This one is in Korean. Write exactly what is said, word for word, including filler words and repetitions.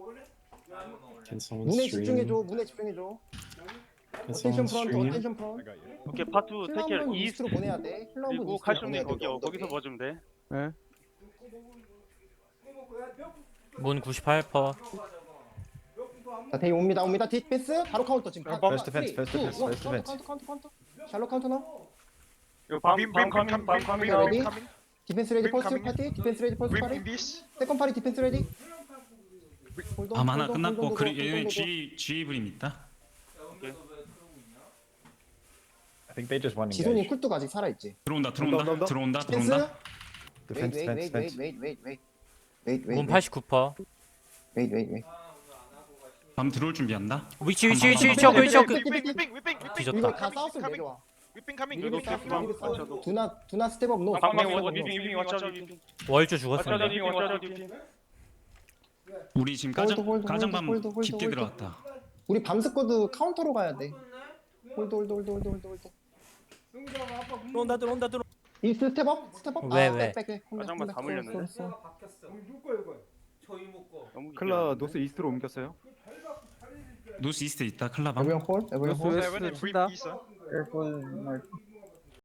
Can someone 문에 stream? 집중해줘. 문에 집중해줘. Can 어텐션 someone 프런트, stream? 어텐션 프런트. 오케이 파트 힐러 테이크 한번 이스트 이스트로 보내야 돼. 힐러 한번 그리고 이스트로 칼슘님 보내야 돼. 거기 거기서 봐주면 돼. 네. 문 구십팔 퍼센트. 자, 데이 옵니다. 옵니다. 디펜스 바로 카운터 지금. First defense, first defense, first 카운터, defense. 카운터, 카운터, 카운터. 샬롯 카운터 나. 이거 밤 Beam, 밤 beam, 카밍 come, 밤 beam, 카밍 beam, ready? beam coming. 디펜스 레디 Beam 퍼스트 coming. 파티. 디펜스 레디 퍼스트 Beam 파티. in this. 세컨 파티 디펜스 레디. 밤 하나 끝났고 그리 얘는 G G 브림 있다. I think they just won 지손이 engage. 쿨뚝 아직 살아 있지. 들어온다 온다, 온다, 들어온다 온다. 들어온다 디펜스. 들어온다. Defense, 웨이트, defense, 웨이트, 웨이트, defense. 웨이트, 웨이트, 웨이트. 웨이트, 문 웨이트, 팔십구 퍼센트. 웨이트, 웨이트, 웨이트. 밤 들어올 준비한다. 위치 위치 위치 위치 어그 위치 어그. Whipping, whipping, whipping, whipping. 뒤졌다. 이거 다 Coming, 싸웠으면 coming. 내려와. Whipping coming. 미리 이거 싸워, 밤 미리 싸워. 맞춰도. 두나 두나 스텝업 노. 밤 카밍 스텝업 워 노. 디핑 디핑 watch out 디핑. 월주 watch 죽었습니다. out 디핑 watch out 디핑. 우리 지금 홀드, 가장 홀드, 가장밤 홀드, 홀드, 깊게 홀드. 들어갔다. 우리 밤스쿼드 카운터로 가야 돼. 홀드 홀드 홀드 홀드 홀드 홀드. 들어온다 들어온다 들어. 이 스텝업 스텝업. 왜, 아, 왜? 백, 백, 백. 가장만 다 물렸는데? 클라 노스 이스트로 옮겼어요. 노스 이스트 있다 클라밤. 에브리언 홀, 에브리언 홀. Seven and brief 친다. piece. huh? Careful, Mark.